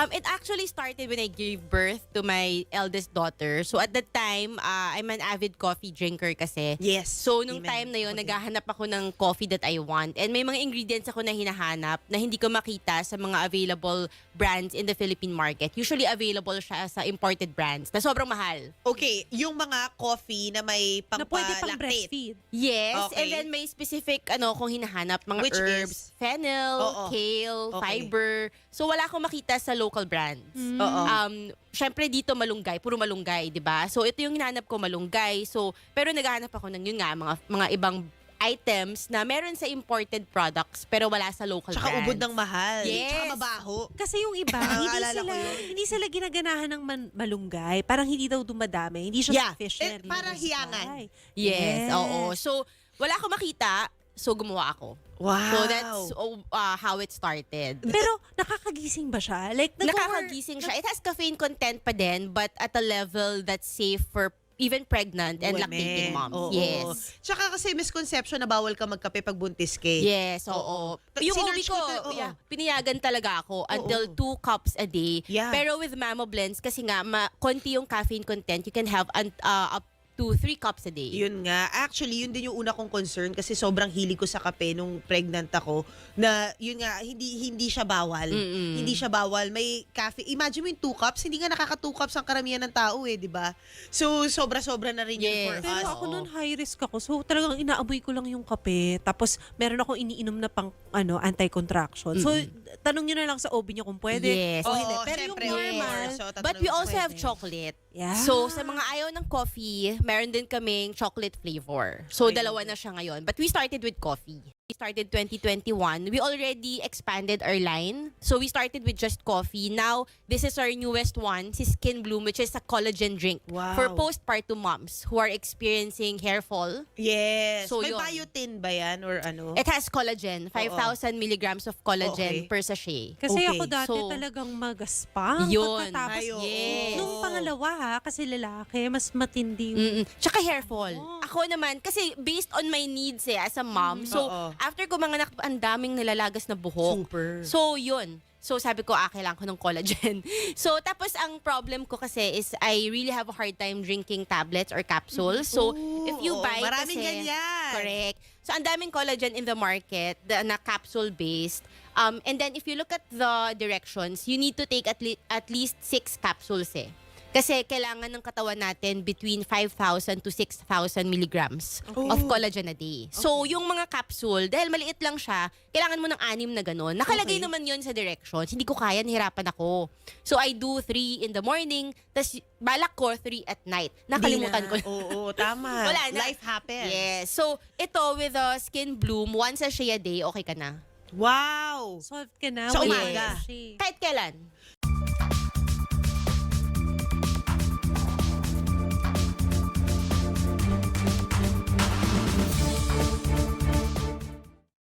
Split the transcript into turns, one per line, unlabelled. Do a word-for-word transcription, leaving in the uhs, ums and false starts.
Um, it actually started when I gave birth to my eldest daughter. So at that time, uh, I'm an avid coffee drinker kasi.
Yes.
So nung
Amen.
time na yun,
Okay.
naghahanap ako ng coffee that I want. And may mga ingredients ako na hinahanap na hindi ko makita sa mga available brands in the Philippine market. Usually available siya sa imported brands na sobrang mahal.
Okay, yung mga coffee na may
Na pwede pang
pampalactate.
breastfeed.
Yes,
Okay.
and then may specific ano kung hinahanap, mga
Which
herbs,
is?
fennel,
Oo.
kale,
Okay.
fiber. So wala akong makita sa local brands.
Oo.
Um, syempre dito malunggay, puro malunggay, 'di ba? So ito yung hinahanap ko, malunggay. So pero naghahanap ako ng yun nga mga mga ibang items na meron sa imported products pero wala sa local
Tsaka
brands.
ubod ng mahal.
Yes.
Tsaka mabaho.
Kasi yung iba, hindi
Naalala ko
sila,
yun.
hindi sila ginaganahan ng man- malunggay. Parang hindi daw dumadami. Hindi siya
Yeah.
sufficient.
Eh, parang
Hindi
hiyangan.
supply.
Yes, oo. So wala akong makita, so gumawa ako.
Wow.
So that's oh, uh, how it started.
Pero nakakagising ba siya? Like, nag-
Nakakagising siya. It has caffeine content pa din, but at a level that's safe for even pregnant and
Women.
lactating moms.
Oo.
Yes.
Tsaka kasi misconception na bawal ka magkape pag buntis ka. eh.
Yes, oo.
Ta-
Yung
sinearch
ubi ko,
ko to- oo.
yeah, pinayagan talaga ako until
Oo.
two cups a day.
Yeah.
Pero with Mamo Blends, kasi nga, ma- konti yung caffeine content, you can have un- uh, up to three cups a day.
Yun nga. Actually, yun din yung una kong concern kasi sobrang hilig ko sa kape nung pregnant ako na yun nga, hindi hindi siya bawal.
Mm-mm.
Hindi siya bawal. May cafe. Imagine mo yung two cups. Hindi nga nakaka two cups ang karamihan ng tao eh, di ba? So, sobra-sobra na rin yun
Yes.
for
Pero
us.
ako
Oo.
nun high risk ako. So talagang inaaboy ko lang yung kape. Tapos meron ako iniinom na pang ano anti-contraction. So tanong niyo na lang sa O B niyo kung pwede
Yes.
o
Oo,
hindi. Pero
syempre,
yung
of
normal,
course. So,
But
tatanungin
we
ko,
also have
pwede.
chocolate.
yeah.
So, sa mga ayaw ng coffee, meron din kaming chocolate flavor. So,
Ay,
dalawa na siya ngayon. But we started with coffee. We started twenty twenty-one. We already expanded our line. So, we started with just coffee. Now, this is our newest one, si Skin Bloom, which is a collagen drink
Wow.
for postpartum moms who are experiencing hair fall.
Yes.
So,
May
yun.
biotin ba yan or ano?
It has collagen, five thousand milligrams of collagen
Okay.
per sachet.
Kasi
Okay.
ako dati
So,
talagang magaspang.
yun.
Pagkatapos,
Ay, oo.
Yes.
nung pangalawa ha, kasi lalaki, mas matindi.
Mm-mm. Tsaka hair fall.
Oh.
Ako naman, kasi based on my needs eh, as a mom. So,
Oo.
after ko mga nak- ang daming nilalagas na buhok.
Super.
So, yun. So, sabi ko, ah, kailangan ko ng collagen. So, tapos ang problem ko kasi is I really have a hard time drinking tablets or capsules. So, if you
Oo,
buy
maraming
kasi...
ganyan.
Correct. So, ang daming collagen in the market the, na capsule-based. Um, and then, if you look at the directions, you need to take at, le- at least six capsules eh. Kasi kailangan ng katawan natin between five thousand to six thousand milligrams
Oh.
of collagen a day. So, yung mga capsule, dahil maliit lang siya, kailangan mo ng anim na ganun. Nakalagay
Okay.
naman yon sa directions. Hindi ko kaya, nahirapan ako. So, I do three in the morning, tas balak ko three at night. Nakalimutan ko.
Hindi na. Oo, tama.
Wala na.
Life happens.
Yes. So, ito with the Skin Bloom, once a shea a day, okay ka na.
Wow.
Solved ka na.
Sa
wala
umaga.
na siya.
Kahit kailan.